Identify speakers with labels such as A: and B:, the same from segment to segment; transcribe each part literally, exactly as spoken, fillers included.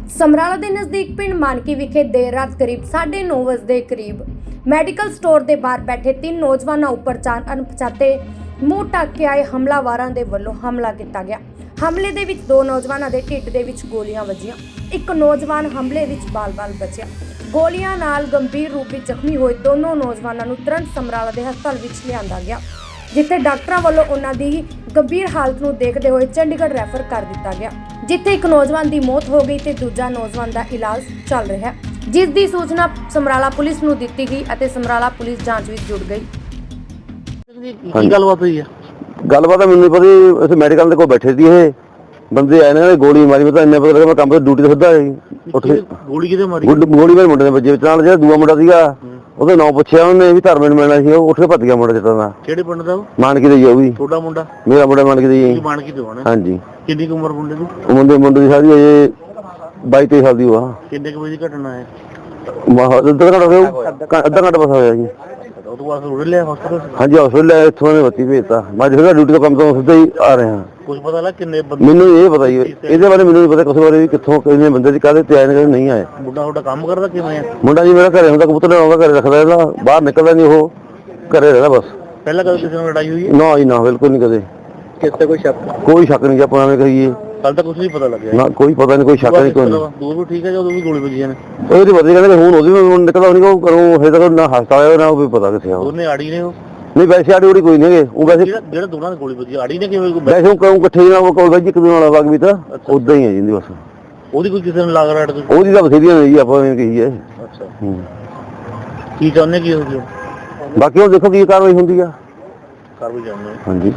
A: ਸਮਰਾਲਾ ਦੇ ਨਜ਼ਦੀਕ ਪਿੰਡ ਮਾਨਕੀ ਵਿਖੇ ਦੇਰ ਰਾਤ ਕਰੀਬ ਸਾਢੇ ਨੌ ਵਜੇ ਦੇ ਕਰੀਬ ਮੈਡੀਕਲ ਸਟੋਰ ਦੇ ਬਾਹਰ ਬੈਠੇ ਤਿੰਨ ਨੌਜਵਾਨਾਂ ਉੱਪਰ ਚਾਰ ਅਣਪਛਾਤੇ ਮੂੰਹ ਢੱਕ ਕੇ ਆਏ ਹਮਲਾਵਾਰਾਂ ਦੇ ਵੱਲੋਂ ਹਮਲਾ ਕੀਤਾ ਗਿਆ। ਹਮਲੇ ਦੇ ਵਿੱਚ ਦੋ ਨੌਜਵਾਨਾਂ ਦੇ ਢਿੱਡ ਦੇ ਵਿੱਚ ਗੋਲੀਆਂ ਵੱਜੀਆਂ। ਇੱਕ ਨੌਜਵਾਨ ਹਮਲੇ ਵਿੱਚ ਬਾਲ-ਬਾਲ ਬਚਿਆ। ਗੋਲੀਆਂ ਨਾਲ ਗੰਭੀਰ ਰੂਪ ਵਿੱਚ ਜ਼ਖਮੀ ਹੋਏ ਦੋਨੋਂ ਨੌਜਵਾਨਾਂ ਨੂੰ ਤੁਰੰਤ ਸਮਰਾਲਾ ਦੇ ਹਸਪਤਾਲ ਵਿੱਚ ਲਿਆਂਦਾ ਗਿਆ, ਜਿੱਥੇ ਡਾਕਟਰਾਂ ਵੱਲੋਂ ਉਹਨਾਂ ਦੀ ਗੰਭੀਰ ਹਾਲਤ ਨੂੰ ਦੇਖਦੇ ਹੋਏ ਚੰਡੀਗੜ੍ਹ ਰੈਫਰ ਕਰ ਦਿੱਤਾ ਗਿਆ, ਜਿੱਥੇ ਇੱਕ ਨੌਜਵਾਨ ਦੀ ਮੌਤ ਹੋ ਗਈ ਤੇ ਦੂਜਾ ਨੌਜਵਾਨ ਦਾ ਇਲਾਜ ਚੱਲ ਰਿਹਾ ਹੈ, ਜਿਸ ਦੀ ਸੂਚਨਾ ਸਮਰਾਲਾ ਪੁਲਿਸ ਨੂੰ ਦਿੱਤੀ ਗਈ ਅਤੇ ਸਮਰਾਲਾ ਪੁਲਿਸ ਜਾਂਚ ਵਿੱਚ ਜੁੜ ਗਈ।
B: ਕੀ ਗੱਲਬਾਤ ਹੋਈ ਹੈ?
C: ਗੱਲਬਾਤ ਮੈਨੂੰ ਨਹੀਂ ਪਤਾ। ਅਸੀਂ ਮੈਡੀਕਲ ਦੇ ਕੋਲ ਬੈਠੇ ਸੀ, ਇਹ ਬੰਦੇ ਆਏ ਨੇ, ਗੋਲੀ ਮਾਰੀ। ਮੈਂ ਤਾਂ ਇੰਨਾ ਪਤਾ ਲੱਗਾ, ਮੈਂ ਕੰਮ ਤੇ ਡਿਊਟੀ ਤੇ ਸਿੱਧਾ ਉੱਠ ਕੇ
B: ਗੋਲੀ ਕਿਤੇ ਮਾਰੀ?
C: ਗੋਲੀ ਮੇਰੇ ਮੁੰਡੇ ਦੇ ਵੱਜੇ ਵਿੱਚ। ਨਾਲ ਜਿਹੜਾ ਦੂਆ ਮੁੰਡਾ ਸੀਗਾ ਉਹਦਾ ਨਾਂ ਪੁੱਛਿਆ ਉਹਨੇ ਵੀ ਧਰਮੇ ਨੂੰ ਮਿਲਣਾ ਸੀ, ਉਹ ਉੱਠ ਕੇ ਭੱਜ ਗਿਆ ਮੁੰਡਾ ਜਿੱਤਾਂ ਦਾ।
B: ਕਿਹੜੇ ਪਿੰਡ ਦਾ?
C: ਮਾਨਕੀ ਦਾ ਹੀ। ਉਹ ਵੀ
B: ਤੁਹਾਡਾ ਮੁੰਡਾ?
C: ਮੇਰਾ ਮੁੰਡਾ ਮਾਨਕੀ ਦਾ ਹੀ।
B: ਮਾਨਕੀ ਤੋਂ ਆਣਾ?
C: ਹਾਂਜੀ।
B: ਕਿੰਨੀ ਉਮਰ ਮੁੰਡੇ ਦੀ?
C: ਮੁੰਡੇ ਮੁੰਡੇ ਦੀ ਸਾਰੀ ਅਜੇ ਬਾਈ ਤੇਈ ਸਾਲ ਦੀ ਹੋਆ।
B: ਕਿੰਨੇ ਕੁ ਵਜੇ ਦੀ ਘਟਨਾ ਹੈ?
C: ਅੱਧਾ ਘੰਟਾ ਹੋਇਆ, ਅੱਧਾ ਘੰਟਾ ਬਸ ਹੋਇਆ ਜੀ।
B: ਉਹ ਤੋਂ ਬਾਅਦ ਰੋੜ ਲਿਆ ਹਸਪਤਾਲ?
C: ਹਾਂਜੀ, ਹਸਪਤਾਲ ਲੈ ਇੱਥੋਂ ਨੇ ਬੱਤੀ ਭੇਜਤਾ। ਮੈਂ ਜਿਹੜਾ ਡਿਊਟੀ ਤੋਂ ਕੰਮ ਤੋਂ ਸਿੱਧਾ ਹੀ ਆ ਰਿਹਾ।
B: ਕੁਝ ਪਤਾ ਲੱਗ ਕਿੰਨੇ ਬੰਦੇ?
C: ਮੈਨੂੰ ਇਹ ਪਤਾ ਹੀ, ਇਹਦੇ ਬਾਰੇ ਮੈਨੂੰ ਨਹੀਂ ਪਤਾ ਕਿਸੇ ਬਾਰੇ ਵੀ ਕਿੱਥੋਂ ਕਿੰਨੇ ਬੰਦੇ ਦੀ ਕਾਹਦੇ ਤੇ ਆਏ ਨੇ ਨਹੀਂ ਆਏ।
B: ਮੁੰਡਾ ਤੁਹਾਡਾ ਕੰਮ ਕਰਦਾ ਕਿਵੇਂ ਆ?
C: ਮੁੰਡਾ ਜੀ ਮੇਰਾ ਘਰੇ ਹੁੰਦਾ, ਕਬੂਤਰ ਆਉਂਦਾ, ਘਰੇ ਰੱਖਦਾ ਇਹਦਾ, ਬਾਹਰ ਨਿਕਲਦਾ ਨਹੀਂ, ਉਹ ਘਰੇ ਰਹਿੰਦਾ ਬਸ।
B: ਪਹਿਲਾਂ ਕਦੇ ਕਿਸੇ ਨਾਲ ਲੜਾਈ ਹੋਈ ਹੈ?
C: ਨਾ ਜੀ ਨਾ, ਬਿਲਕੁਲ ਨਹੀਂ ਕਦੇ।
B: ਕਿਸੇ ਕੋਈ ਸ਼ੱਕ?
C: ਕੋਈ ਸ਼ੱਕ ਨਹੀਂ, ਆਪਾਂ ਐਵੇਂ ਕਹੀਏ।
B: ਕੱਲ ਤਾਂ ਕੁਝ ਨਹੀਂ ਪਤਾ ਲੱਗਿਆ
C: ਨਾ, ਕੋਈ ਪਤਾ ਨਹੀਂ, ਕੋਈ ਸ਼ੱਕ ਨਹੀਂ, ਕੋਈ ਨਹੀਂ।
B: ਦੂਰ ਵੀ ਠੀਕ ਹੈ ਜਦੋਂ ਵੀ ਗੋਲੀ ਵੱਜੀਆਂ ਨੇ?
C: ਉਹਦੀ ਪਤਾ ਕਹਿੰਦੇ ਹੁਣ ਉਹਦੀ ਵੀ ਨਿਕਲਦਾ ਨਹੀਂ, ਉਹ ਕਰੋ ਹਜੇ ਤੱਕ ਨਾ ਹਸਪਤਾਲ ਆਇਆ ਨਾ, ਉਹ ਵੀ ਪਤਾ ਕਿੱਥੇ ਆ।
B: ਉਹਨੇ ਆੜੀ ਨੇ? ਉਹ
C: ਨਹੀਂ ਵੈਸੇ ਆੜੀ ਉੜੀ ਕੋਈ ਨਹੀਂ ਹੈਗੇ। ਉਹ ਵੈਸੇ
B: ਜਿਹੜਾ ਦੋਨਾਂ ਦੀ ਗੋਲੀ ਵੱਜੀ ਆੜੀ ਨੇ ਕਿਵੇਂ?
C: ਵੈਸੇ ਉਹ ਕਹੂੰ ਇਕੱਠੇ ਨਾਲ ਉਹ ਕੋਲ ਵੈਜ ਇੱਕ ਦੂਜੇ ਨਾਲ ਵਗ ਵੀ ਤਾਂ ਉਦਾਂ ਹੀ ਹੈ ਜਿੰਦੀ ਬਸ।
B: ਉਹਦੀ ਕੋਈ ਕਿਸੇ ਨੂੰ ਲਾਗ ਰਾੜ?
C: ਉਹਦੀ ਤਾਂ ਬਥੇਰੀਆਂ ਨੇ ਜੀ, ਆਪਾਂ ਐਵੇਂ ਕਹੀਏ।
B: ਅੱਛਾ, ਕੀ ਚਾਹੁੰਦੇ ਕੀ ਹੋ ਗਿਆ?
C: ਬਾਕੀ ਉਹ ਦੇਖੋ ਕੀ ਕਾਰਵਾਈ ਹੁੰਦੀ ਆ।
B: ਕਰ ਵੀ ਜਾਂਦੇ।
C: ਹਾਂਜੀ।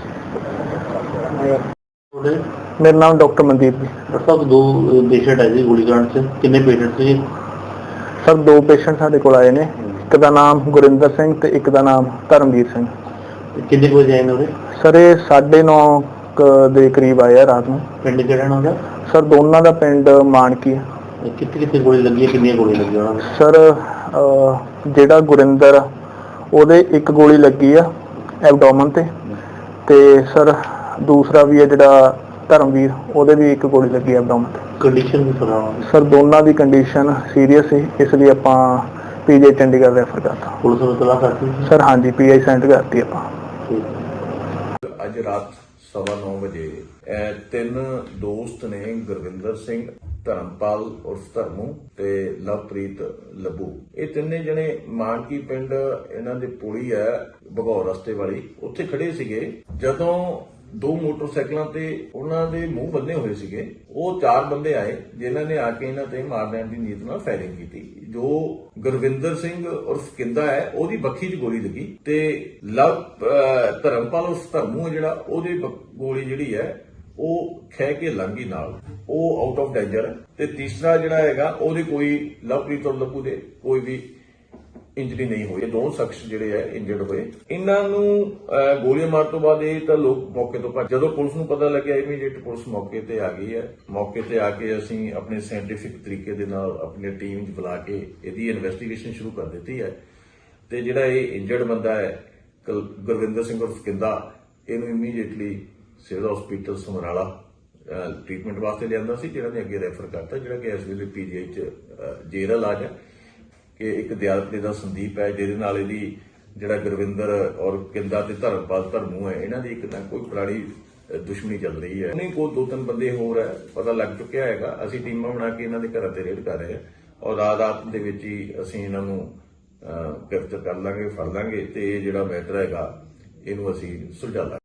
B: ਮੇਰਾ ਨਾਮ ਡਾਕਟਰ ਮਨਦੀਪ ਜੀ। ਡਾਕਟਰ ਸਾਹਿਬ, ਦੋ ਪੇਸ਼ੈਂਟ ਆਏ ਸੀ ਗੋਲੀकांड ਚ, ਕਿੰਨੇ ਪੇਸ਼ੈਂਟ ਸੀ?
D: ਸਰ ਦੋ ਪੇਸ਼ੈਂਟ ਸਾਡੇ ਕੋਲ ਆਏ ਨੇ, ਇੱਕ ਦਾ ਨਾਮ ਗੁਰਿੰਦਰ ਸਿੰਘ ਤੇ ਇੱਕ ਦਾ ਨਾਮ ਧਰਮਵੀਰ ਸਿੰਘ।
B: ਕਿੰਨੇ ਕੁ ਵਜੇ ਆਏ ਨੇ ਉਹਦੇ?
D: ਸਰ ਇਹ ਸਾਢੇ ਨੌ ਦੇ ਕਰੀਬ ਆਏ ਆ ਰਾਤ ਨੂੰ।
B: ਪਿੰਡ ਕਿਹੜਾ ਉਹਨਾਂ ਦਾ?
D: ਸਰ ਦੋਨਾਂ ਦਾ ਪਿੰਡ ਮਾਨਕੀ ਹੈ।
B: ਕਿੱਥੇ ਕਿੱਥੇ ਗੋਲੀ ਲੱਗੀ ਹੈ, ਕਿੰਨੀਆਂ ਗੋਲੀਆਂ ਲੱਗੀਆਂ ਉਹਨਾਂ ਨੂੰ?
D: ਸਰ ਜਿਹੜਾ ਗੁਰਿੰਦਰ ਉਹਦੇ ਇੱਕ ਗੋਲੀ ਲੱਗੀ ਆ ਐਬਡੋਮਨ ਤੇ, ਤੇ ਸਰ ਦੂਸਰਾ ਵੀ ਹੈ ਜਿਹੜਾ ਧਰਮਵੀਰ, ਉਹਦੇ ਵੀ ਇੱਕ ਗੋਲੀ ਲੱਗੀ ਐਬਡੋਮਨ ਤੇ।
B: ਕੰਡੀਸ਼ਨ ਵੀ ਸੁਣਾਓ?
D: ਸਰ ਦੋਨਾਂ ਦੀ ਕੰਡੀਸ਼ਨ ਸੀਰੀਅਸ ਸੀ, ਇਸ ਲਈ ਆਪਾਂ ਪੀਜੀ ਚੰਡੀਗੜ੍ਹ ਰੈਫਰ ਕਰਤਾ।
B: ਪੁਲਿਸ ਨੂੰ ਤਲਾਸ਼ ਕਰਤੀ?
D: ਸਰ ਹਾਂਜੀ, ਪੀਆਈ ਸੈਂਡ ਕਰਤੀ ਆਪਾਂ।
E: ਅੱਜ ਰਾਤ ਸਵਾ ਨੌ ਵਜੇ ਇਹ ਤਿੰਨ ਦੋਸਤ ਨੇ, ਗੁਰਵਿੰਦਰ ਸਿੰਘ, ਧਰਮਪਾਲ ਉਰਫ ਧਰਮੂ ਤੇ ਲਵਪ੍ਰੀਤ ਲੱਭੂ, ਇਹ ਤਿੰਨੇ ਜਣੇ ਮਾਨਕੀ ਪਿੰਡ ਇਹਨਾਂ ਦੇ ਪੁਲੀ ਹੈ ਭਗੌਰ ਰਸਤੇ ਵਾਲੀ, ਉੱਥੇ ਖੜੇ ਸੀਗੇ। ਜਦੋਂ ਦੋ ਮੋਟਰਸਾਈਕਲਾਂ ਤੇ ਉਹਨਾਂ ਦੇ ਮੂੰਹ ਬੰਨੇ ਹੋਏ ਸੀਗੇ, ਉਹ ਚਾਰ ਬੰਦੇ ਆਏ ਜਿਨ੍ਹਾਂ ਨੇ ਆ ਕੇ ਇਹਨਾਂ ਤੇ ਮਾਰ ਦੇਣ ਦੀ ਨੀਤ ਨਾਲ ਫਾਇਰਿੰਗ ਕੀਤੀ। ਜੋ ਗੁਰਵਿੰਦਰ ਸਿੰਘ ਉਰਫ ਕਿੰਦਾ ਹੈ, ਉਹਦੀ ਬੱਖੀ 'ਚ ਗੋਲੀ ਲੱਗੀ ਤੇ ਲਵ ਧਰਮਪਾਲ ਉਰਫ ਧਰਮੂ ਹੈ ਜਿਹੜਾ, ਉਹਦੀ ਗੋਲੀ ਜਿਹੜੀ ਹੈ ਉਹ ਖਹਿ ਕੇ ਲੰਗੀ ਨਾਲ, ਉਹ ਆਊਟ ਆਫ ਡੇਂਜਰ ਹੈ। ਤੇ ਤੀਸਰਾ ਜਿਹੜਾ ਹੈਗਾ ਉਹਦੇ ਕੋਈ ਲਵਪ੍ਰੀਤ ਔਰ ਲੱਭੂ ਦੇ ਕੋਈ ਵੀ ਇੰਜਰੀ ਨਹੀਂ ਹੋਈ। ਦੋ ਸ਼ਖਸ ਜਿਹੜੇ ਹੈ ਇੰਜਰਡ ਹੋਏ। ਇਹਨਾਂ ਨੂੰ ਗੋਲੀਆਂ ਮਾਰਨ ਤੋਂ ਬਾਅਦ ਇਹ ਤਾਂ ਲੋਕ ਮੌਕੇ ਤੋਂ ਭੱਜ। ਜਦੋਂ ਪੁਲਿਸ ਨੂੰ ਪਤਾ ਲੱਗਿਆ, ਇਮੀਡੀਏਟ ਪੁਲਿਸ ਮੌਕੇ ਤੇ ਆ ਗਈ ਹੈ। ਮੌਕੇ ਤੇ ਆ ਕੇ ਅਸੀਂ ਆਪਣੇ ਸਾਇੰਟੀਫਿਕ ਤਰੀਕੇ ਦੇ ਨਾਲ ਆਪਣੀ ਟੀਮ ਚ ਬੁਲਾ ਕੇ ਇਹਦੀ ਇਨਵੈਸਟੀਗੇਸ਼ਨ ਸ਼ੁਰੂ ਕਰ ਦਿੱਤੀ ਹੈ। ਤੇ ਜਿਹੜਾ ਇਹ ਇੰਜਰਡ ਬੰਦਾ ਹੈ ਗੁਰਵਿੰਦਰ ਸਿੰਘ ਉਰਫ ਕਿੰਦਾ, ਇਹਨੂੰ immediately civil hospital Samrala treatment ਵਾਸਤੇ ਲਿਆਂਦਾ ਸੀ, ਜਿਹੜਾ ਨੇ ਅੱਗੇ ਰੈਫਰ ਕਰਤਾ, ਜਿਹੜਾ ਕਿ ਇਸ ਵੇਲੇ ਪੀਜੀਆਈ ਚ ਜੇਰ ਇਲਾਜ ਹੈ। ਕਿ ਇੱਕ ਦਿਆਲਪੇ ਦਾ ਸੰਦੀਪ ਹੈ, ਜਿਹਦੇ ਨਾਲ ਇਹਦੀ ਜਿਹੜਾ ਗੁਰਵਿੰਦਰ ਔਰ ਕਿੰਦਾ ਤੇ ਧਰਮਪਾਲ ਧਰਮੂ ਹੈ, ਇਹਨਾਂ ਦੀ ਇੱਕ ਨਾ ਕੋਈ ਪੁਰਾਣੀ ਦੁਸ਼ਮਣੀ ਚੱਲ ਰਹੀ ਹੈ। ਨਹੀਂ, ਕੋਈ ਦੋ ਤਿੰਨ ਬੰਦੇ ਹੋਰ ਹੈ, ਪਤਾ ਲੱਗ ਚੁੱਕਿਆ ਹੈਗਾ। ਅਸੀਂ ਟੀਮਾਂ ਬਣਾ ਕੇ ਇਹਨਾਂ ਦੇ ਘਰਾਂ ਤੇ ਰੇਡ ਕਰ ਰਹੇ ਹਾਂ ਔਰ ਰਾਤ ਰਾਤ ਦੇ ਵਿੱਚ ਹੀ ਅਸੀਂ ਇਹਨਾਂ ਨੂੰ ਗ੍ਰਿਫਤਾਰ ਕਰ ਲਾਂਗੇ, ਫੜ ਲਾਂਗੇ ਤੇ ਇਹ ਜਿਹੜਾ ਮੈਟਰ ਹੈਗਾ ਇਹਨੂੰ ਅਸੀਂ ਸੁਲਝਾ ਲਾਂਗੇ।